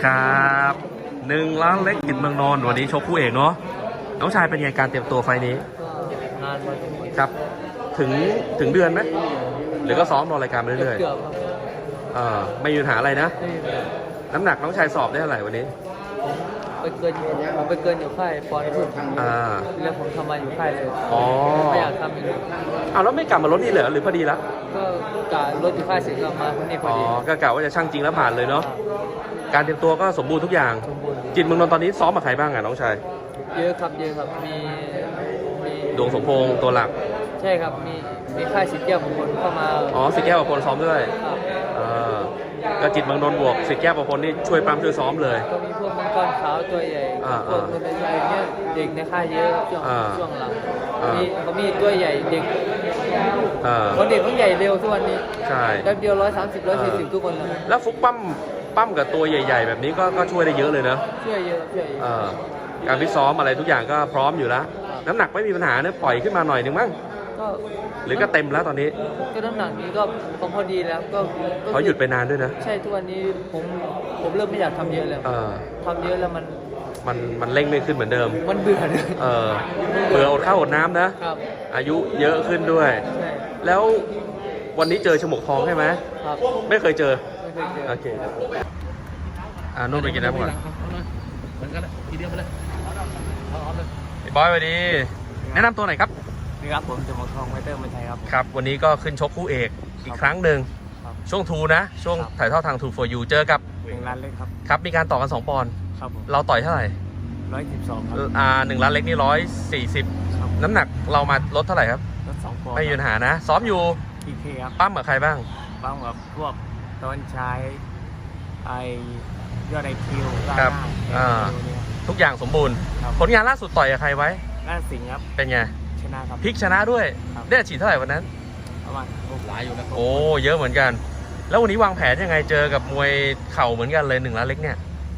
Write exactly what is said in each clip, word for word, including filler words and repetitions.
ครับหนึ่งล้านเล็กกิจเมืองนนท์วันนี้ชกคู่เอกเนาะน้องชายเป็นไงการเตรียมตัวไฟนี้งานมาครับถึงถึงเดือนไหมหรือก็ซ้อมรอรายการไปเรื่อยเกือบครับๆเออไม่มีปัญหาอะไรนะไม่มีแบบน้ำหนักน้องชายสอบได้เท่าไหร่วันนี้ไปเกินอยู่ผมไปเกินอยู่ค่ายปอนด์พุ่งอ่าแล้วผมทำมาอยู่ค่ายเลยอ๋อไม่อยากทำอีกเอาแล้วไม่กลับมาลดนี่เหรอหรือพอดีละก็กะรถอยู่ค่ายเสร็จก็มาที่นี่พออ๋อดีก็กะว่าจะช่างจริงแล้วผ่านเลยเนาะการเตรียมตัวก็สมบูรณ์ทุกอย่างสมบูรณ์จิตเมืองนนท์ตอนนี้ซ้อมกับใครบ้างอ่ะน้องชายเยอะครับเยอะครับมีมีดวงสมพงษ์ตัวหลักใช่ครับมีมีค่ายสิทธิ์แก้วมงคลเข้ามาอ๋อสิแก้วประพลซ้อมด้วยครับเออก็จิตเมืองนนท์บวกสิแก้วประพลนี่ช่วยปั๊มช่วยซ้อมเลยก็มีพวกมังกรขาวตัวใหญ่อ่าพวกตัวใหญ่ๆเนี่ยเด็กในค่ายเยอะช่วงอ่าช่วงหลังอ่ามีมีก็มีตัวใหญ่เด็กเออคนเด็กคนใหญ่เร็วทุกวันนี้ใช่แป๊บเดียวร้อยสามสิบร้อยสี่สิบทุกคนเลยแล้วฟุกปั้มปั้มกับตัวใหญ่ ๆ แบบนี้ก็ก็ช่วยได้เยอะเลยนะช่วยเยอะช่วยเยอะเออการฟิตซ้อมอะไรทุกอย่างก็พร้อมอยู่แล้ว น้ำหนักไม่มีปัญหาเนะปล่อยขึ้นมาหน่อยหนึ่งมั้งก็หรือก็เต็มแล้วตอนนี้ก็น้ำหนักนี้ก็พอพอดีแล้วก็ก็เขาหยุดไปนานด้วยนะใช่ทุกวันนี้ผมผมเริ่มไม่อยากทำเยอะแล้วเออทำเยอะแล้วมันมันมันเร่งไม่ขึ้นเหมือนเดิมมันเบื่อเลยเออเบื่ออดข้าวอดน้ำนะครับอายุเยอะขึ้นด้วยใช่แล้ววันนี้เจอฉมวกทองใช่ไหมครับไม่เคยเจอไม่เคยเจอโอเคอ่านุ่นไปกินน้ำก่อนเหมือนกันเลยทีเดียวไปเลยเอาเอาเลยพี่บอยสวัสดี แนะนำตัวหน่อยครับนี่ครับผมจะมาทองไวเตอร์มาไทยครับครับ วันนี้ก็ขึ้นชกคู่เอกอีกครั้งหนึ่งครับช่วงทูนะ ช่วงครับถ่ายทอดทางทู for you เจอกับหนึ่งล้านเล็กครับครับ มีการต่อกัน สอง ปอนด์ครับผมเราต่อยเท่าไหร่ร้อยสิบสองครับอ่าหนึ่งล้านเล็กนี่ร้อยสี่สิบครับน้ำหนักเรามาลดเท่าไหร่ครับรถสองปอนด์ไม่มีปัญหานะ ซ้อมอยู่พีเคครับปั้มกับใครบ้างบ้างกับพวกตอนใช้ไอยอดไอคิวครับอ่าเนี่ยทุกอย่างสมบูรณ์ครับผลงานล่าสุดต่อยกับใครไว้น่าสิงห์ครับเป็นไงชนะครับพลิกชนะด้วยครับได้ฉีดเท่าไหร่วันนั้นประมาณหลายอยู่นะโอ้ เยอะเหมือนกัน แล้ววันนี้วางแผนยังไงเจอกับมวยเข่าเหมือนกันเลยหนึ่งล้านเล็กเนี่ยว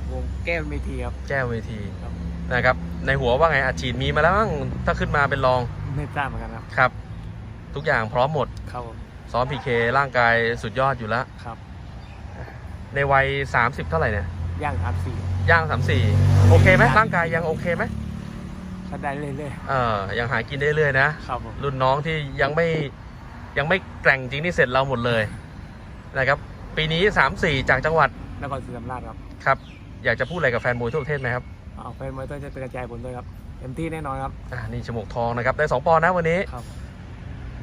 งแก้วเมทีครับแจ้วเวทีครับนะครับ ในหัวว่าไงอัดฉีดมีมาแล้วมั้งถ้าขึ้นมาเป็นรองไม่ทราบเหมือนกันครับครับ ทุกอย่างพร้อมหมดครับผมซ้อมพีเคร่างกายสุดยอดอยู่แล้วครับในวัย สามสิบ เท่าไหร่เนี่ยย่างครับสี่ย่าง สามสิบสี่ โอเคไหมร่างกายยังโอเคไหมก็ได้เรื่อยเออยังหากินได้เรื่อยๆนะๆครับผมรุ่นน้องที่ยังไม่ยังไม่แกร่งจริงนี่เสร็จเราหมดเลยนะครับ ปีนี้ สามสี่ จากจังหวัดนครศรีธรรมราชครับครับ อยากจะพูดอะไรกับแฟนมวยทั่วประเทศไหมครับเอาแฟนมวยต้องจะเป็นกระจายผลด้วยครับเต็มที่แน่นอนครับอ่านี่ฉมวกทองนะครับ ได้ สอง ปอนด์นะวันนี้ครับ